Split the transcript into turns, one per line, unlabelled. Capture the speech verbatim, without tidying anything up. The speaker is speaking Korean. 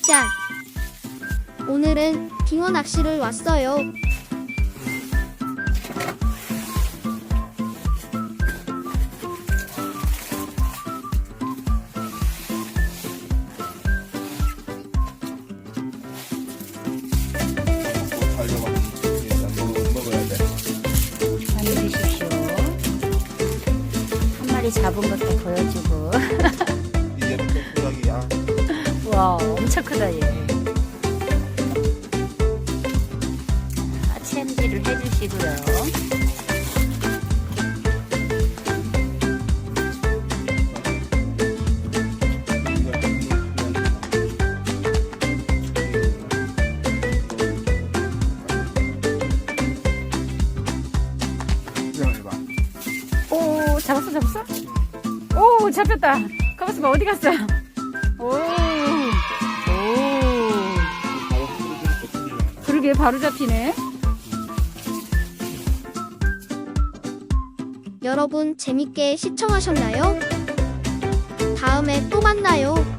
짠! 오늘은 빙어 낚시를 왔어요.
많이 드십시오. 한 마리 잡은 것도 보여주고.
이제부터 소각이야.
와, 엄청 크다 얘. 아, 챔질을 해주시고요. 오, 잡았어, 잡았어? 오, 잡혔다. 가만있어 봐, 어디 갔어? 오, 오. 그러게, 바로 잡히네.
여러분 재밌게 시청하셨나요? 다음에 또 만나요.